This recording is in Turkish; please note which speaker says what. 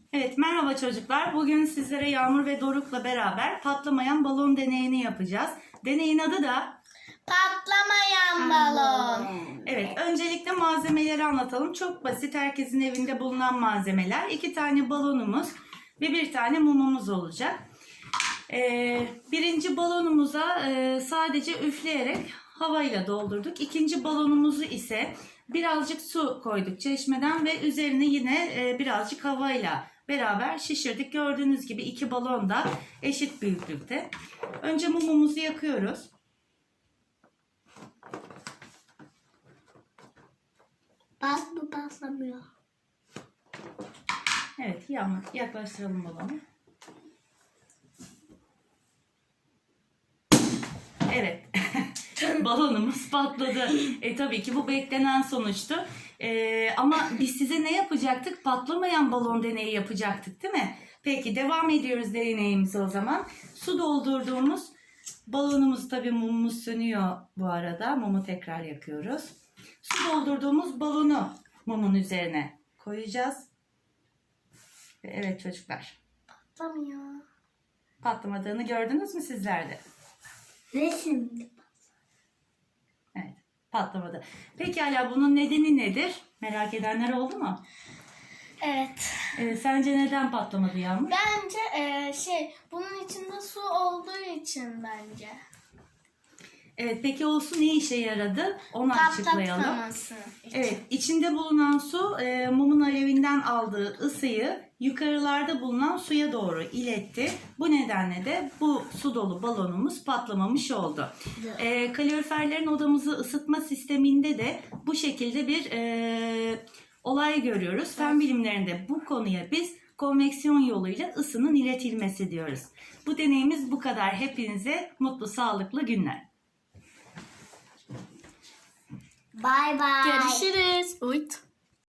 Speaker 1: Evet, merhaba çocuklar. Bugün sizlere Yağmur ve Doruk'la beraber patlamayan balon deneyini yapacağız. Deneyin adı da
Speaker 2: Patlamayan balon.
Speaker 1: Evet, öncelikle malzemeleri anlatalım. Çok basit, herkesin evinde bulunan malzemeler. 2 tane balonumuz ve 1 tane mumumuz olacak. Birinci balonumuza sadece üfleyerek havayla doldurduk. İkinci balonumuzu ise birazcık su koyduk çeşmeden ve üzerine yine birazcık havayla beraber şişirdik. Gördüğünüz gibi 2 balon da eşit büyüklükte. Önce mumumuzu yakıyoruz.
Speaker 2: Bu patlamıyor.
Speaker 1: Evet, yaklaştıralım balonu. Evet. Balonumuz patladı. Tabii ki bu beklenen sonuçtu. Ama biz size ne yapacaktık? Patlamayan balon deneyi yapacaktık, değil mi? Peki devam ediyoruz deneyimize o zaman. Su doldurduğumuz balonumuz, tabii mumumuz sönüyor bu arada. Mumu tekrar yakıyoruz. Su doldurduğumuz balonu mumun üzerine koyacağız. Evet çocuklar.
Speaker 2: Patlamıyor.
Speaker 1: Patlamadığını gördünüz mü sizler de?
Speaker 2: Resim.
Speaker 1: Evet, patlamadı. Pekala, bunun nedeni nedir? Merak edenler oldu mu?
Speaker 2: Evet.
Speaker 1: Sence neden patlamadı Yağmur?
Speaker 2: Bence bunun içinde su olduğu için bence.
Speaker 1: Evet, peki o su ne işe yaradı? Onu açıklayalım.
Speaker 2: Patlatmaması için.
Speaker 1: Evet, içinde bulunan su mumun alevinden aldığı ısıyı yukarılarda bulunan suya doğru iletti. Bu nedenle de bu su dolu balonumuz patlamamış oldu. Kaloriferlerin odamızı ısıtma sisteminde de bu şekilde bir olay görüyoruz. Fen bilimlerinde bu konuya biz konveksiyon yoluyla ısının iletilmesi diyoruz. Bu deneyimiz bu kadar. Hepinize mutlu, sağlıklı günler.
Speaker 2: Bye bye.
Speaker 3: Görüşürüz. Uyut.